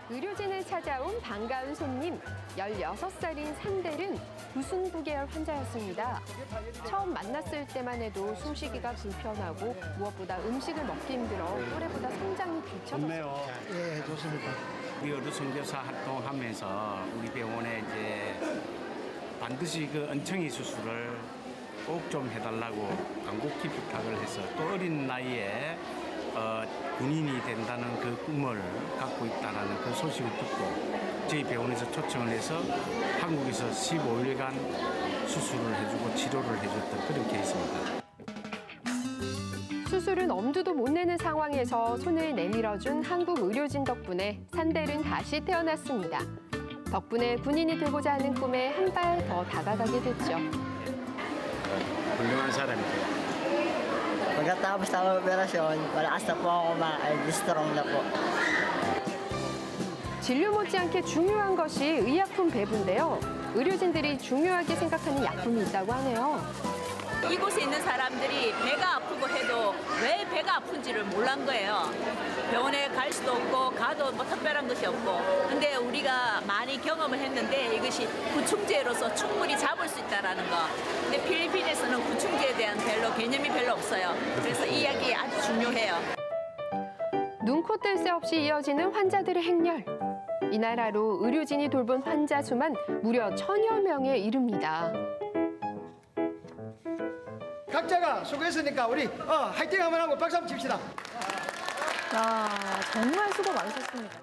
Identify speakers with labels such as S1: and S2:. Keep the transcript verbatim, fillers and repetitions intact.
S1: 의료진을 찾아온 반가운 손님, 열여섯 살인 산델은 구순부 계열 환자였습니다. 처음 만났을 때만 해도 숨쉬기가 불편하고 무엇보다 음식을 먹기 힘들어 또래보다 성장이 뒤처졌어요.
S2: 예, 좋습니다.
S3: 우리 의료 선교사 활동하면서 우리 병원에 이제 반드시 그 은총이 수술을 꼭 좀 해달라고 간곡히 부탁을 해서 또 어린 나이에 어, 군인이 된다는 그 꿈을 갖고 있다는 그 소식을 듣고 저희 병원에서 초청을 해서 한국에서 십오 일간 수술을 해주고 치료를 해줬던 그런 케이스입니다.
S1: 수술은 엄두도 못 내는 상황에서 손을 내밀어준 한국 의료진 덕분에 산델은 다시 태어났습니다. 덕분에 군인이 되고자 하는 꿈에 한 발 더 다가가게 됐죠.
S3: 훌륭한 사람이에요.
S4: Pagkatapos ng operasyon, malakas na po ako kumain, strong na po.
S1: 진료 못지않게 중요한 것이 의약품 배부인데요. 의료진들이 중요하게 생각하는 약품이 있다고 하네요.
S5: 이곳에 있는 사람들이 배가 아프고 해도 왜 배가 아픈지를 몰란 거예요. 병원에 갈 수도 없고 가도 뭐 특별한 것이 없고. 근데 우리가 많이 경험을 했는데 이것이 구충제로서 충분히 잡을 수 있다는 거. 근데 필리핀에서는 구충제에 대한 별로 개념이 별로 없어요. 그래서 이 약이 아주 중요해요.
S1: 눈코 뜰 새 없이 이어지는 환자들의 행렬. 이날 하루 의료진이 돌본 환자 수만 무려 천여 명에 이릅니다.
S2: 각자가 수고했으니까 우리 어, 화이팅 한번 하고 박수 한번 칩시다.
S6: 아, 정말 수고 많으셨습니다.